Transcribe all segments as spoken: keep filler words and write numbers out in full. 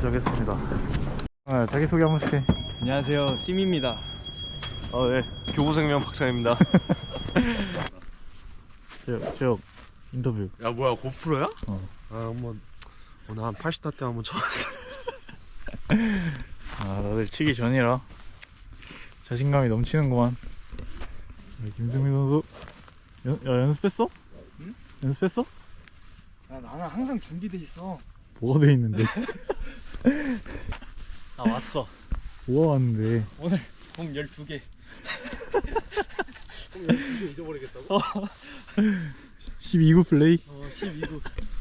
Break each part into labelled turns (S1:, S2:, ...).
S1: 시작했습니다. 아, 자기소개 한 번씩 해.
S2: 안녕하세요, 심입니다.
S3: 아, 네. 교보생명 박찬입니다.
S1: 제역, 제역 인터뷰.
S3: 야, 뭐야, 고프로야?
S1: 어.
S3: 아, 한번 오늘 한 팔십 타 때 한번 쳐봤어.
S1: 아, 다들 치기 전이라 자신감이 넘치는구만. 김승민 선수 연, 야, 연습했어?
S2: 응?
S1: 연습했어?
S2: 야, 나는 항상 준비돼 있어.
S1: 뭐가 돼 있는데?
S2: 나 왔어.
S1: 뭐가 왔는데?
S2: 오늘 공 열두 개. 공 열두 개 잊어버리겠다고?
S1: 십이 구 플레이?
S2: 어, 십이 구.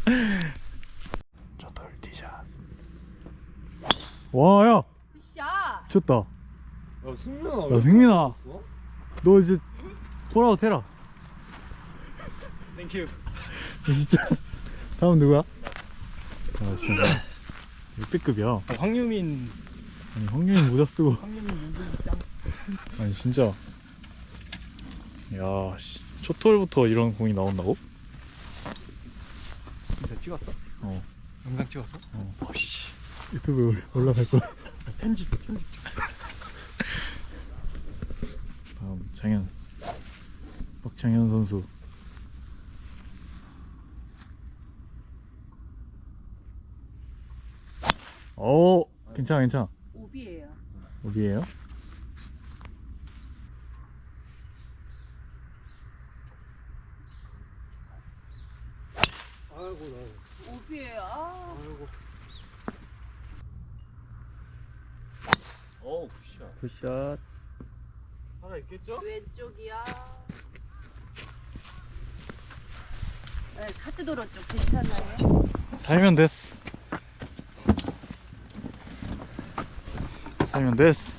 S1: 저 돌티샷. 와, 야!
S4: 굿샷!
S1: 미쳤다.
S3: 야, 승민아.
S1: 야, 승민아. 너 이제 홀아웃 해라.
S2: 땡큐.
S1: 진짜. 다음 누구야? 아, 진짜. 역대급이야.
S2: 어, 황유민.
S1: 아니, 황윤이 모자 쓰고.
S2: 황유민 윤승이 짱.
S1: 아니, 진짜. 야, 씨. 첫 홀부터 이런 공이 나온다고?
S2: 진짜 찍었어?
S1: 어.
S2: 영상 찍었어?
S1: 어.
S2: 어씨.
S1: 유튜브에 올라갈 거야.
S2: 편집, 편집 좀.
S1: 다음, 장현. 박창현 선수. 오, 괜찮아, 괜찮아.
S4: 오비예요.
S1: 어디에요?
S3: 아이고, 나.
S4: 오비예요. 아.
S3: 아이고.
S2: 오, 굿샷.
S1: 굿샷.
S2: 하나 있겠죠?
S4: 왼쪽이야. 네, 카트도로 쪽 괜찮아요?
S1: 살면 됐어. 살면 됐어.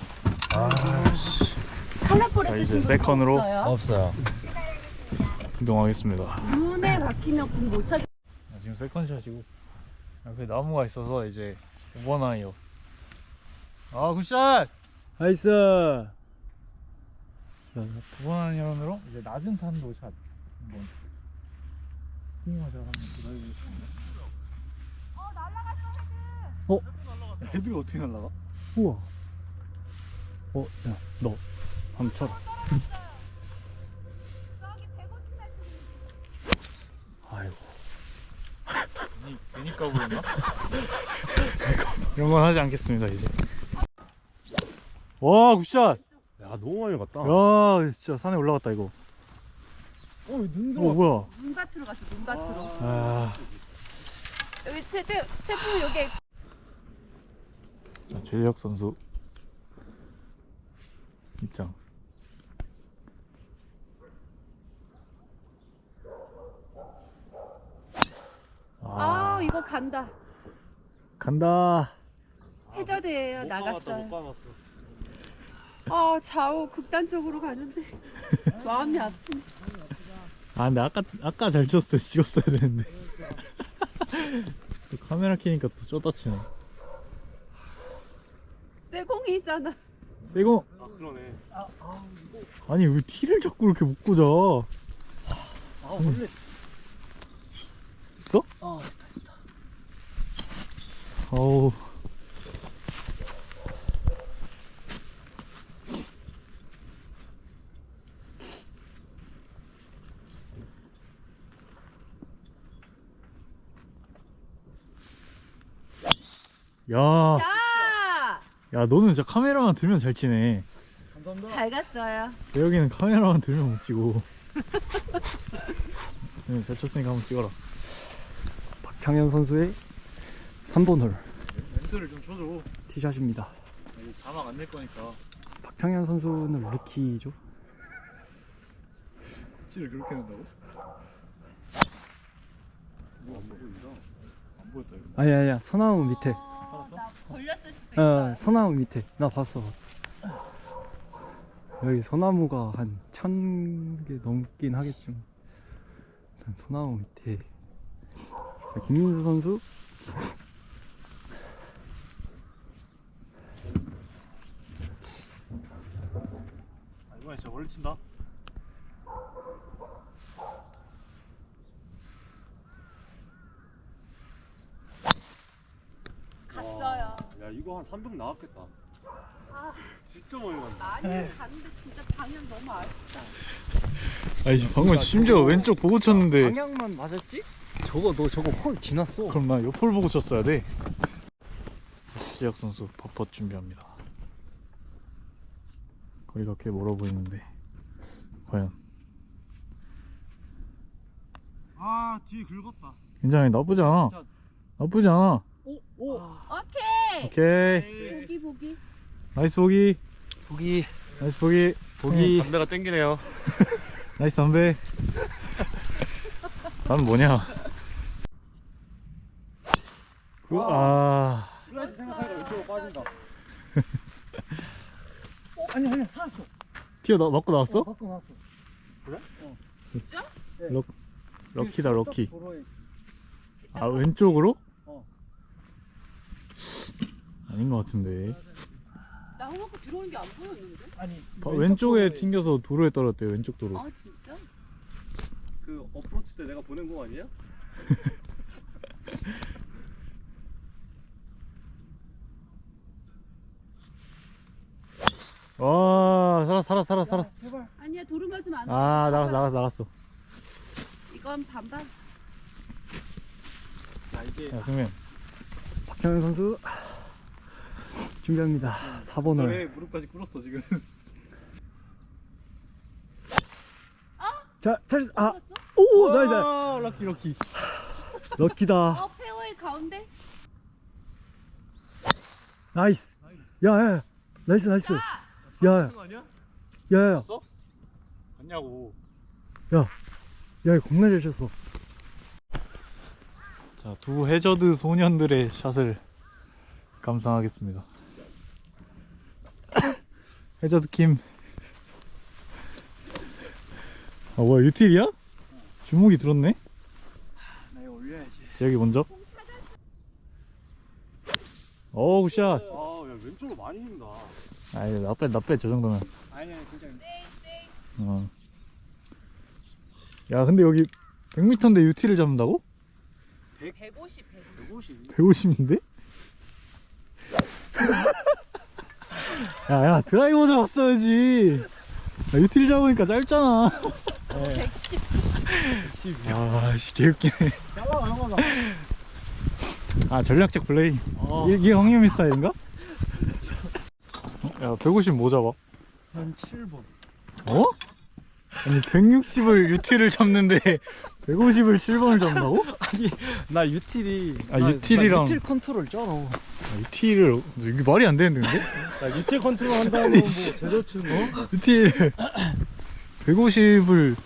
S4: 칼라폴에
S1: 자, 이제
S4: 쓰신 분
S1: 세컨으로.
S4: 없어요?
S3: 없어요.
S1: 이동하겠습니다.
S4: 눈에 박히면 공 못 차게.
S1: 아, 지금 세컨샷이고 옆에 나무가 있어서 이제 오 번 아이요. 아, 굿샷! 나이스! 두 번 아이언으로 이제 낮은 탄도 샷 한번 스윙하자 한번 기다려보겠습니다.
S4: 어, 날라갔어, 헤드.
S1: 어?
S2: 헤드가 어떻게 날라가?
S1: 우와. 어, 야, 너 한번 쳐라.
S4: 저기 백오십 살
S1: 아이고.
S2: 괜히, 괜히 까고 그랬나?
S1: 이런 건 하지 않겠습니다, 이제. 와, 굿샷!
S3: 야, 너무 많이 갔다.
S1: 야, 진짜 산에 올라갔다, 이거.
S2: 어, 눈
S1: 어, 뭐야.
S4: 눈밭으로 갔어, 눈밭으로.
S1: 아.
S4: 여기 제, 제, 제품 여기.
S1: 자, 최재혁 선수 입장.
S4: 아, 이거 간다.
S1: 간다.
S4: 해저드예요.
S3: 못
S4: 나갔어요.
S3: 감았어.
S4: 아, 좌우 극단적으로 가는데 마음이 아프네.
S1: 아, 근데 아까 아까 잘 쳤어. 찍었어야 되는데. 또 카메라 켜니까 또 쪼다치네.
S4: 쇠공이잖아.
S1: 세공.
S3: 아, 그러네.
S1: 아니, 왜 티를 자꾸 이렇게 못 꽂아?
S2: 아, 원래.
S1: 있어?
S2: 어,
S1: 어우. 야,
S4: 야!
S1: 야, 너는 진짜 카메라만 들면 잘 치네.
S2: 감사합니다.
S4: 잘 갔어요.
S1: 여기는 카메라만 들면 못 치고. 네, 잘 쳤으니까 한번 찍어라.
S5: 박창현 선수의 삼 번 홀
S2: 멘트를 좀 쳐줘.
S5: 티샷입니다.
S2: 이제 자막 안 낼 거니까.
S5: 박창현 선수는 루키죠.
S2: 치를 그렇게 낸다고? 뭐 안 보인다. 안 보였다 이거.
S5: 아니 아니야, 서나무 밑에.
S4: 어, 나 걸렸을 수도
S5: 어,
S4: 있어.
S5: 서나무 밑에. 나 봤어 봤어. 여기 소나무가 한 천 개 넘긴 하겠지만 일단 소나무 밑에. 자, 김민수 선수
S2: 아, 이번에 진짜 멀리 친다.
S4: 갔어요.
S3: 이거 한 삼백 나왔겠다.
S4: 아.
S3: 진짜 많이 갔네.
S4: 많이 갔는데 진짜 방향 너무 아쉽다.
S1: 아니 방금 심지어 왼쪽 보고 쳤는데
S5: 방향만 맞았지? 저거 너 저거 홀 지났어.
S1: 그럼 나 옆을 보고 쳤어야 돼. 시작 선수 퍼펫 준비합니다. 거리가 꽤 멀어 보이는데 과연
S3: 아 뒤에 긁었다.
S1: 굉장히 나쁘지 않아. 나쁘지 않아.
S3: 오.
S4: 오케이.
S1: 오케이
S4: 보기 보기.
S1: 나이스 보기.
S3: 보기.
S1: 나이스 보기.
S3: 보기. 담배가 땡기네요.
S1: 나이스 담배. 난 뭐냐? 그, 아
S5: 슬라이스 생각하니까 왼쪽으로 빠진다. 어, 아니 아니 살았어.
S1: 튀어 나 맞고 나왔어?
S5: 어, 바꿔 나왔어.
S4: 진짜?
S1: 럭 럭키다 럭키.
S5: 도로에
S1: 아 왼쪽으로?
S5: 어.
S1: 아닌 것 같은데.
S4: 나 홈워크 들어오는 게 안 보였는데?
S5: 아니
S1: 바, 왼쪽에 튕겨서 도로에 떨어졌대요. 왼쪽 도로.
S4: 아 진짜?
S3: 그 어프로치 때 내가 보낸 거 아니야?
S1: 와 살았 살았 살았 살았어.
S5: 제발.
S4: 아니야 도로 맞으면 안 돼.
S1: 아 나갔어 나갔어 나갔어.
S4: 이건 반반.
S3: 아 이게
S1: 야 승민.
S5: 박현현 선수 준비합니다. 사 번을.
S2: 왜 무릎까지 꿇었어 지금?
S5: 자, 잘, 아,
S4: 맞았어?
S5: 오, 나이스.
S1: 아, 럭키 럭키.
S5: 럭키다.
S4: 어 페어웨이 가운데.
S5: 나이스. 야, 야, 야. 나이스, 나이스. 야, 야,
S3: 거 아니야?
S5: 야, 야,
S2: 맞냐고.
S5: 야, 야, 겁나 잘 쳤어.
S1: 자, 두 해저드 소년들의 샷을 감상하겠습니다. 해저드 킴. 아 뭐야 유틸이야? 주먹이 들었네?
S5: 나 이거 올려야지.
S1: 재혁이 먼저. 오 굿샷.
S3: 아, 야 왼쪽으로 많이 힘다.
S1: 아이 나빼 나빼 저 정도면.
S5: 아니, 아니, 괜찮아.
S1: 어. 야 근데 여기 백 미터인데 유틸을 잡는다고?
S4: 백오십 백오십.
S1: 백오십인데? 야야 드라이버 잡았어야지. 야, 유틸 잡으니까 짧잖아.
S4: 백십.
S1: 아씨 개웃기네.
S5: 양호가, 양호가.
S1: 아 전략적 플레이.
S5: 어.
S1: 이게, 이게 황유미 스타일인가? 야 백오십 뭐 잡아?
S5: 한 칠 번.
S1: 어? 아니 백육십을 유틸을 잡는데 백오십을 칠 번을 잡는다고?
S5: 나 유틸이.
S1: 아,
S5: 나-
S1: 유틸이랑-
S5: 나 유틸 컨트롤 쩔어.
S1: 아, 유틸을 이게 말이 안 되는데 근데?
S3: 야 유틸 컨트롤 한다면 뭐 제대로 치는 거?
S1: 유틸 백오십을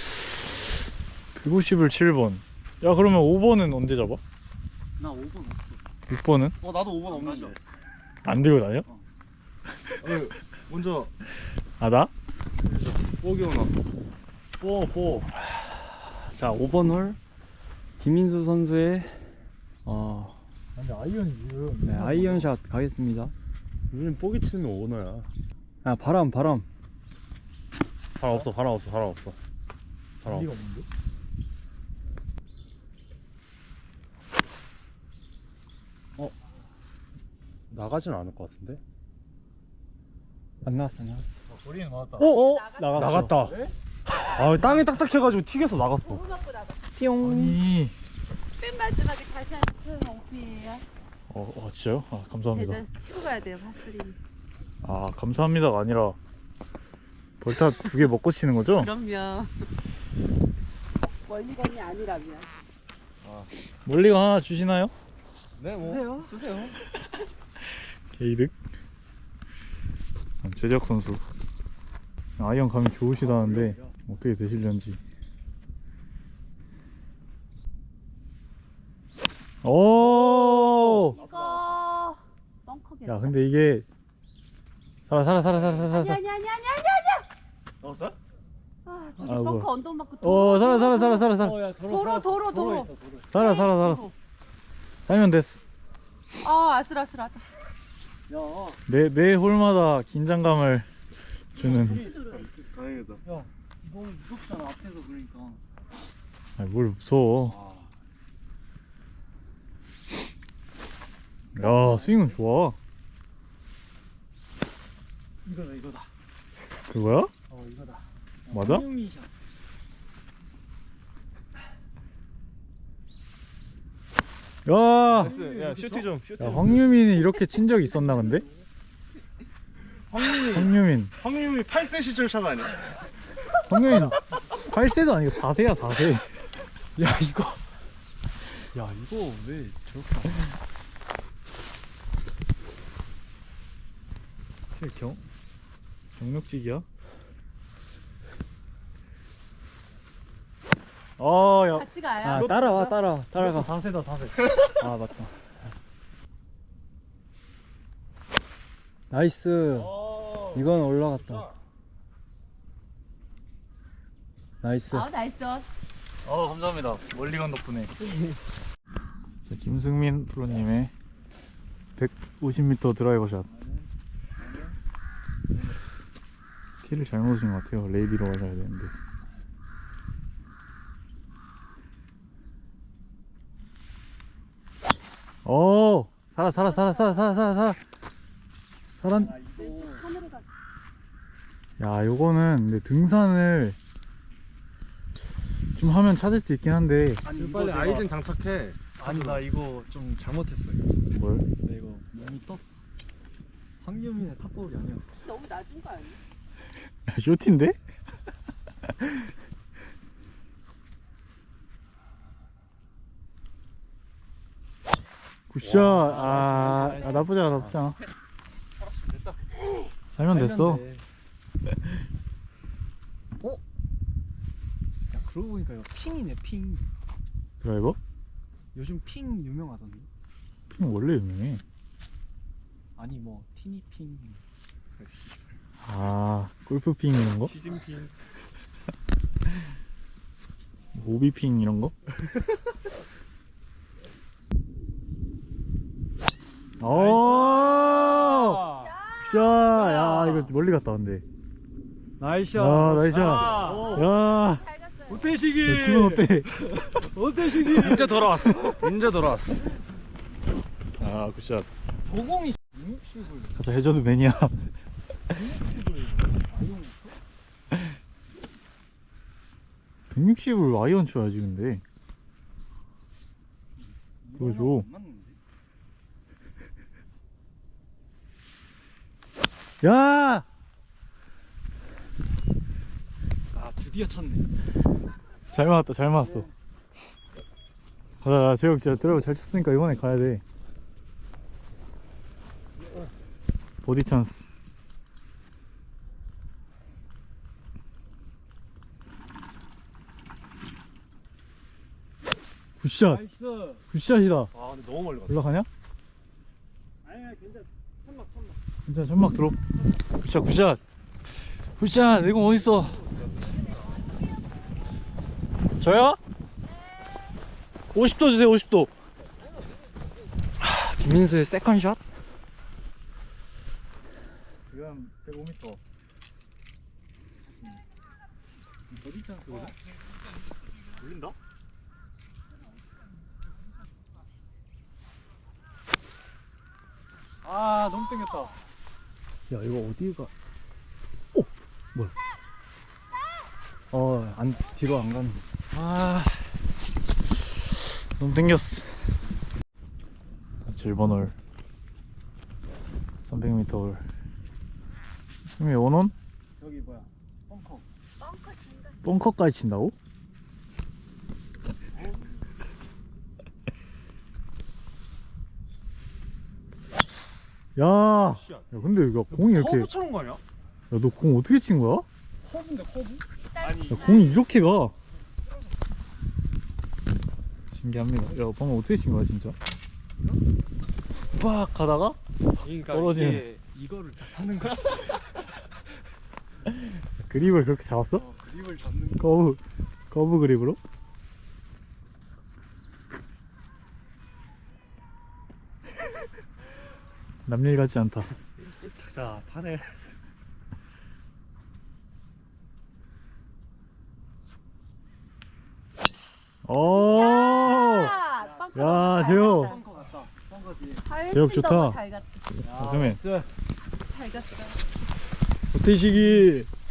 S1: 백오십을 칠 번. 야 그러면 오 번은 언제 잡아?
S5: 나 오 번 없어.
S1: 육 번은?
S3: 어 나도 오 번 없는데.
S1: 안 들고 다녀?
S3: 어, 먼저
S1: 아 나?
S3: 뽀기오나. 뽀 뽀.
S5: 자, 오 번 홀. 김민수 선수의, 어,
S1: 근데 아이언이 지금
S5: 네, 아이언샷 가겠습니다.
S3: 우리는 뽀기 치면 오너야.
S5: 아, 바람, 바람.
S3: 바람 없어, 바람 없어, 바람 없어. 바람
S1: 리가
S3: 없어.
S1: 없는데?
S3: 나가진 않을 것 같은데?
S5: 안 나왔어, 안 나왔어.
S1: 거리는 맞았다.
S5: 오, 오!
S4: 나갔어.
S3: 나갔다. 아 땅이 딱딱해가지고 튀겨서 나갔어.
S4: 도로 맞고 나가.
S5: 띠용.
S1: 아니
S4: 맨 마지막에 다시 한 번 오피예요.
S1: 어, 어 진짜요? 아 감사합니다.
S4: 제자 치고 가야 돼요 파스리.
S1: 아 감사합니다가 아니라 벌타 두 개 먹고 치는 거죠?
S4: 그럼요. 멀리건이 아니라면.
S1: 멀리가 하나 주시나요?
S3: 네, 뭐.
S5: 쓰세요, 쓰세요.
S1: 게이득. 제작 선수 아이언 감이 좋으시다는데 어떻게 되실런지. 오!
S4: 이거 뻥커게.
S1: 야 근데 이게 살아 살아 살아 살아 살아
S4: 아니
S1: 살아.
S4: 아니 아니 아니 아니.
S3: 나갔어?
S4: 아 저기
S1: 아,
S4: 벙커
S1: 뭐야.
S4: 언덕 맞고 도로.
S1: 어 살아 살아 살아 살아 살아
S5: 어, 야,
S4: 도로 도로 도로.
S1: 살아 살아 살았어. 살면 됐어.
S4: 아 아슬아슬하다.
S5: 야,
S1: 매, 매 홀마다 긴장감을 주는.
S3: 다행이다.
S5: 야, 너무 무섭잖아, 앞에서 그러니까.
S1: 아니 뭘 무서워. 야 스윙은 좋아. 그거야?
S5: 어 이거다.
S1: 맞아?
S5: 황유미샷.
S1: 야,
S3: 야 슈트 좀 슈트
S1: 야 황유민이 이렇게 친 적이 있었나 근데?
S3: 황유미
S1: 황유민
S3: 황유미 팔 세 시절 샷 아니야?
S1: 황유민 팔 세도 아니고 사 세야 사 세. 야 이거 야 이거 왜 저렇게 안 경? 경력직이야? 어야
S4: 같이 가요.
S5: 아 따라와 따라 따라가.
S1: 사 세다 사 세.
S5: 아 맞다. 나이스. 이건 올라갔다. 나이스.
S4: 아 나이스.
S1: 어 감사합니다. 멀리 간 덕분에. 자, 김승민 프로님의 백오십 미터 드라이버 샷. 티를 잘못 오신 것 같아요. 레이디로 가셔야 되는데. 오 살아 살아 살아 살아 살아 살아 살아 살아.
S4: 왼쪽 산으로 가.
S1: 야 요거는 근데 등산을 좀 하면 찾을 수 있긴 한데.
S3: 지금 빨리 아이젠 장착해.
S5: 아니 나 이거 좀 잘못했어.
S1: 뭘?
S5: 나 이거 몸이 떴어. 황유민의 탑볼이 아니었어.
S4: 너무 낮은 거 아니야?
S1: 야, 쇼티인데? 굿샷. 아, 아 나쁘지 않아 나쁘지 않아. 살면 됐어.
S5: 어? 야 그러고 보니까 이거 핑이네 핑.
S1: 드라이버?
S5: 요즘 핑 유명하던데.
S1: 핑 원래 유명해.
S5: 아니 뭐 티니 핑. 그렇지.
S1: 아 골프 핑 이런 거?
S3: 시즌 핑.
S1: 오비 핑 이런 거? 오! 굿샷! 야 이거 멀리 갔다 근데.
S5: 나이스.
S1: 야 나이스. 야
S4: 잘 갔어요.
S5: 오태식이.
S1: 기분 어때?
S5: 오태식이.
S3: 이제 돌아왔어. 이제 돌아왔어.
S1: 아 굿샷.
S5: 도공이 백육십을
S1: 가자 해저드 매니아. 백육십을 아이언 쳐야지 근데. 그거 줘. 야!
S5: 아 드디어 쳤네.
S1: 잘 맞았다 잘 맞았어. 가자 재혁 진짜 드라이버 잘 쳤으니까 이번에 가야 돼. 보디 찬스. 굿샷.
S5: 나이스.
S1: 굿샷이다.
S3: 아 근데 너무 멀리 갔어.
S1: 올라가냐?
S5: 아니야 괜찮아. 천막 천막.
S1: 진짜 천막 들어. 굿샷 굿샷. 굿샷. 내 공 어딨어? 저요? 오십 도 주세요 오십 도.
S5: 김민수의 세컨샷.
S1: 지금 백오 미터. 어디 찬스거든?
S3: 올린다?
S1: 아 너무 땡겼다.
S5: 야 이거 어디가? 오 뭐야? 어안 뒤로 안 가는 거.
S1: 아 너무 땡겼어. 칠 번 홀 삼백 미터 홀. 형이 원원?
S5: 여기 뭐야? 벙커.
S4: 벙커 진다.
S1: 벙커까지 친다고? 야, 야 근데 이거 공이 이렇게.
S3: 커브 쳐놓은 거 아니야?
S1: 야 너 공 어떻게 친 거야?
S5: 커브인데 커브?
S3: 아니
S1: 야 공이 이렇게 가. 신기합니다. 야 방금 어떻게 친 거야 진짜? 빡 가다가
S5: 그러니까
S1: 떨어지는.
S5: 이게 이거를 다 하는 거야.
S1: 그립을 그렇게 잡았어?
S5: 어, 그립을 잡는 거.
S1: 커브 커브 그립으로? 남일 같지 않다.
S3: 자 판에
S1: 오,
S4: 야, 벙커
S1: 야,
S4: 너무 잘
S1: 재호.
S4: 갔다.
S5: 벙커 갔다. 벙커 뒤에.
S4: 훨씬
S1: 재혁
S4: 더
S1: 좋다.
S4: 잘 갔다.
S1: 가슴에
S4: 잘 갔어.
S1: 오태식이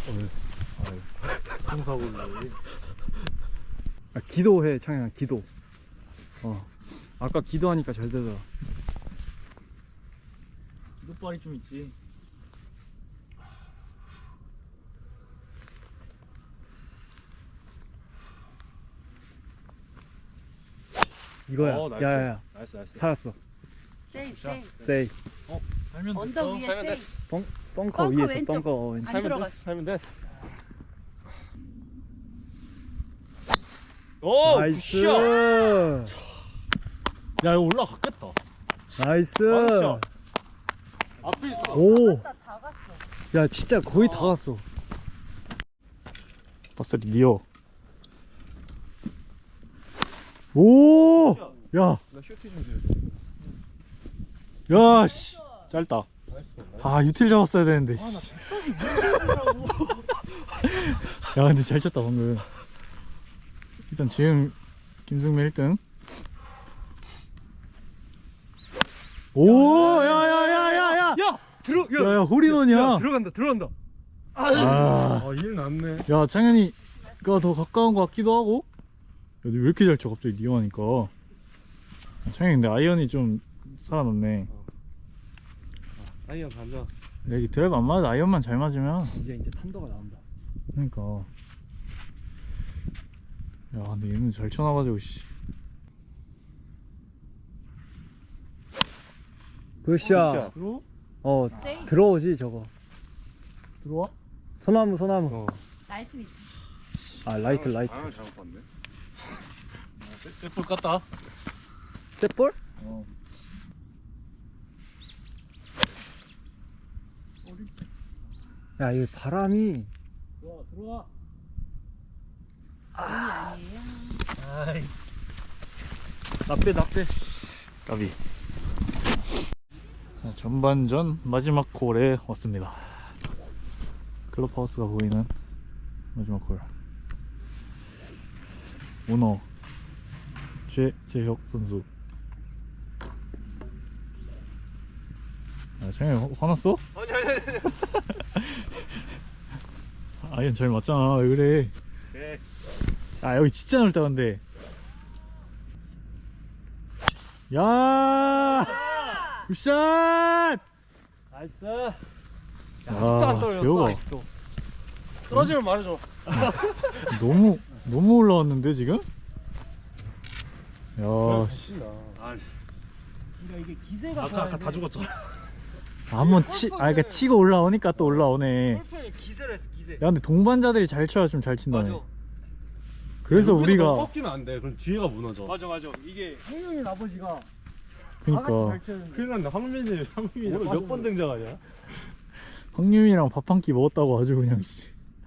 S1: 교통사고를.
S5: 아, 기도해 창현아 기도. 어 아까 기도하니까 잘 되더라.
S1: 기도발이 좀 있지.
S5: 이거야.
S3: 어, 나이스.
S5: 야야야
S3: 나이스 나이스.
S5: 살았어.
S4: 세이 세이.
S5: 세이.
S1: 살면
S4: 언덕
S1: 됐어.
S4: 위에 세이.
S5: 벙커
S4: 벙커
S5: 위에서
S4: 왼쪽.
S5: 벙커 왼쪽.
S4: 안
S3: 살면
S4: 들어갔어.
S3: 됐어. 살면 됐어. 오
S5: 나이스.
S3: 굿샷. 야 이거 올라갔겠다.
S5: 나이스.
S3: 완샷. 앞에 있어.
S5: 오.
S4: 다 갔어.
S5: 야 진짜 거의 다 갔어.
S1: 버스리 니어.
S5: 오. 야.
S3: 나 슈팅 좀 해줘.
S5: 야 씨.
S1: 짧다.
S5: 아 유틸 잡았어야 되는데.
S3: 아나
S5: 씨.
S3: 백사십 문제라고.
S1: 야 근데 잘 쳤다 방금. 일단 지금 김승민 일 등.
S5: 오. 야야야야야.
S3: 야 들어.
S5: 야야 홀인원이야.
S3: 들어간다 들어간다.
S5: 아.
S3: 아일 났네.
S1: 야 창현이가 더 가까운 것 같기도 하고. 야, 너 왜 이렇게 잘 쳐 갑자기 니어 하니까. 창현이 근데 아이언이 좀 살아났네.
S3: 아이언 반전.
S1: 여기 드라이브 안 맞아. 아이언만 잘 맞으면.
S5: 이제 이제 탄도가 나온다.
S1: 그러니까. 야 근데 얘는 잘 쳐놔가지고 씨.
S5: 굿샷.
S3: 들어?
S5: 어
S4: 세이.
S5: 들어오지 저거.
S1: 들어와?
S5: 소나무 소나무.
S3: 어.
S4: 나이트 밑.
S5: 아 라이트 라이트.
S3: 아 잘못 봤네.
S1: 셋볼 깠다.
S5: 셋볼?
S1: 어.
S4: 오른쪽.
S5: 야 이게 바람이.
S1: 들어와 들어와.
S4: 아니 아니에요.
S1: 아이.
S5: 나빼 나빼.
S1: 까비. 자, 전반전 마지막 홀에 왔습니다. 클럽하우스가 보이는 마지막 홀. 오너 최재혁 선수. 아, 창현이 화났어?
S3: 아니 아니 아니.
S1: 아이언 잘 맞잖아. 왜 그래?
S3: 네.
S1: 아 여기 진짜 넓다 근데. 야 굿샷.
S3: 나이스.
S1: 야, 아직도 안 떨어졌어, 재혁아.
S3: 아직도. 떨어지면 말해줘.
S1: 너무 너무 올라왔는데 지금? 야 씨.
S3: 아,
S5: 그러니까 이게 기세가.
S3: 아까 아까 다 죽었잖아.
S1: 한번 치, 아 그러니까 치고 올라오니까 또 올라오네.
S5: 골프에 기세를 했어 기세.
S1: 야 근데 동반자들이 잘 쳐야 좀 잘 친다네.
S5: 맞아.
S1: 그래서 우리가
S3: 꺾이면 안 돼. 그럼 뒤에가 무너져.
S5: 맞아 맞아. 이게 형님 아버지가
S1: 그러니까
S5: 잘 치는데.
S3: 큰일 난다. 황민이 황민이 오늘 몇 번 등장하냐?
S1: 황유민이랑 밥 한 끼 먹었다고 아주 그냥 씨.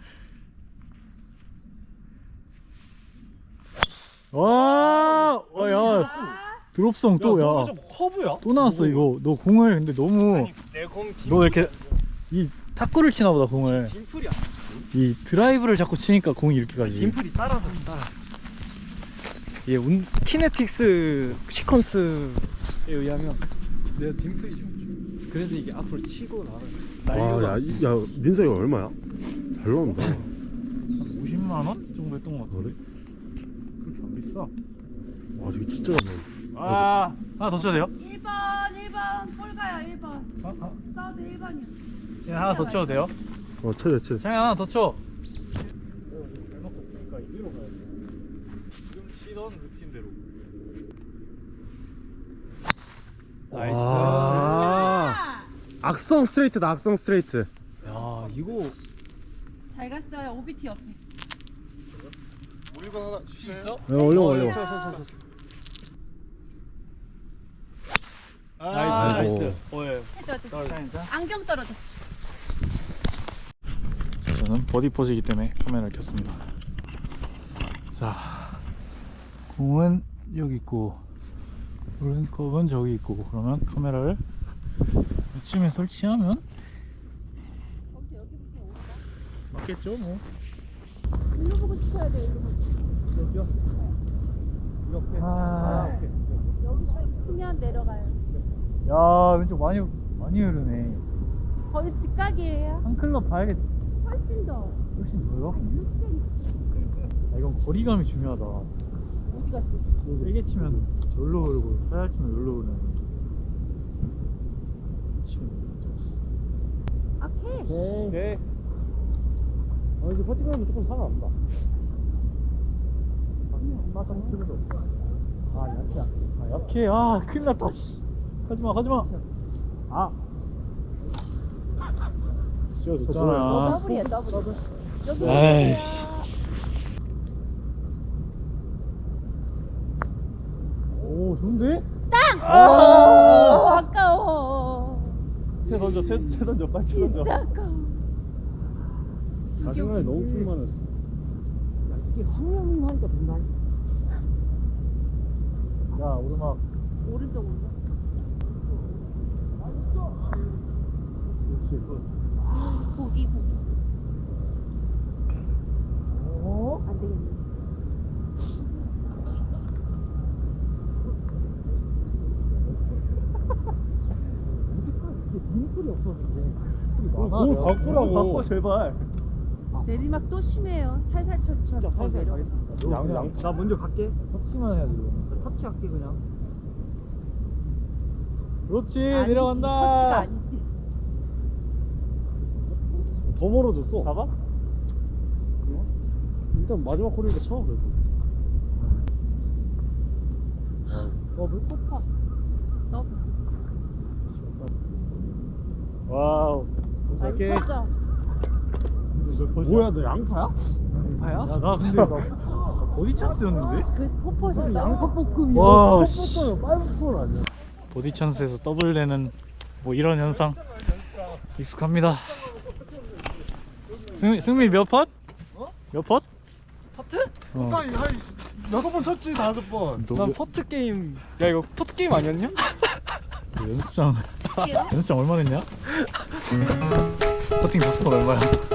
S1: 와, 와, 야, 드롭성 또, 야,
S3: 좀 커브야?
S1: 또 나왔어 이거. 너 공을 근데 너무,
S5: 내공
S1: 너 이렇게 이 탁구를 치나 보다 공을.
S5: 딤플이야.
S1: 이 드라이브를 자꾸 치니까 공이 이렇게 가지.
S5: 딤플이 따라서 따라서. 이게 운 키네틱스 시퀀스에 의하면 내가 딤플이 좀. 그래서 이게 앞으로 치고 나가는.
S3: 와, 야, 이- 야, 민서 이거 얼마야? 잘 나온다.
S1: 한 오십만 원 정도 했던 것 같은데. 그렇게 안 비싸.
S3: 와, 저기 진짜 잘 나온다.
S1: 아, 하나 더 쳐도 돼요?
S4: 일 번 일 번 볼 가요 일 번.
S1: 아, 아,
S4: 사우드 일 번이요.
S1: 예, 하나 더 쳐도 돼요?
S3: 어, 쳐져, 쳐져.
S1: 창현 하나 더 쳐. 잘 먹고 있으니까 이리로 가야 돼. 지금 치던 루틴대로.
S5: 나이스.
S3: 아, 악성 스트레이트다, 악성 스트레이트.
S5: 야 이거
S4: 잘 갔어요 오비티 옆에.
S3: 물건 하나 주시나요?
S1: 있어?
S3: 네, 올려, 올려.
S4: 올려.
S1: 아,
S3: 나이스.
S1: 나이스. 어, 예.
S4: 해줘 해줘.
S1: 괜찮아.
S4: 안경 떨어졌어.
S1: 자, 저는 버디 포즈이기 때문에 카메라를 켰습니다. 자, 공은 여기 있고 오른컵은 저기 있고, 그러면 카메라를 이쯤에 설치하면
S4: 거기 여기부터 올까?
S1: 맞겠죠 뭐.
S4: 일로 보고 치셔야 돼요 일로 보고.
S5: 여기요. 이렇게.
S1: 아,
S4: 여기서 치면 내려가요.
S1: 야 왼쪽 많이 많이 흐르네.
S4: 거기 직각이에요.
S1: 한 클럽 봐야겠.
S4: 훨씬 더.
S1: 훨씬 더요?
S4: 한 육 센티미터.
S1: 아, 이건 거리감이 중요하다.
S4: 어디 갔어?
S1: 세게 치면 절로 흐르고 살살 치면 여기로 흐르는. 미치겠네 진짜.
S4: 악해.
S5: 오케이. 어, 이제 퍼팅하면 조금 상관없다. 맞짱 필요도 없어. 아, 약해.
S1: 아 약해. 아 큰일 났다. 씨. 가지마 가지마. 아.
S4: 어,
S1: 씌워줬잖아.
S4: 더블이야, 더블. 여기.
S1: 아이씨. 오 좋은데?
S4: 아, 아까워.
S5: 채 던져, 채, 채 던져, 빨리 채 던져.
S4: 진짜 아까워.
S5: 마지막에 너무 풀만했어.
S4: 이게 황영하니까 더 많이.
S1: 야 오르막.
S4: 오른쪽으로.
S1: 그렇지 굿.
S4: 보기, 보기. 어? 안 되겠네.
S1: 빈풀이 없어서 그래.
S5: 공 바꾸라고. 바꿔, 제발.
S4: 내리막 또 심해요. 살살 쳐. 진짜
S5: 살살 가겠습니다. 양, 양.
S1: 나 먼저 갈게. 터치만 해야지 이거. 터치 할게 그냥. 그렇지 내려간다.
S4: 터치가 아니지.
S5: 더 멀어졌어. 잡아? 일단 마지막 코리니까 쳐, 그래서.
S1: 더블
S4: 포퍼. 너
S1: 와우.
S4: 많이
S1: 오케이.
S4: 쳤죠?
S5: 뭐야, 너 양파야?
S1: 양파야? 야, 나 근데 나 보디 찬스였는데?
S4: 그래서 포퍼셨다.
S5: 양파볶음이야.
S1: 와, 씨.
S5: 볶음은 파이브볼 아니야?
S1: 보디 찬스에서 더블 내는 뭐 이런 현상 익숙합니다. 승미, 승미 몇 팟? 몇 팟?
S5: 퍼트?
S1: 어.
S5: 한 여섯 번 쳤지, 다섯 번.
S1: 너
S5: 난
S1: 몇-
S5: 퍼트 게임. 야, 이거 퍼트 게임 아니었냐?
S1: 그 연습장
S4: 할게요.
S1: 연습장 얼마 냈냐? 퍼팅 다섯 번 얼마야?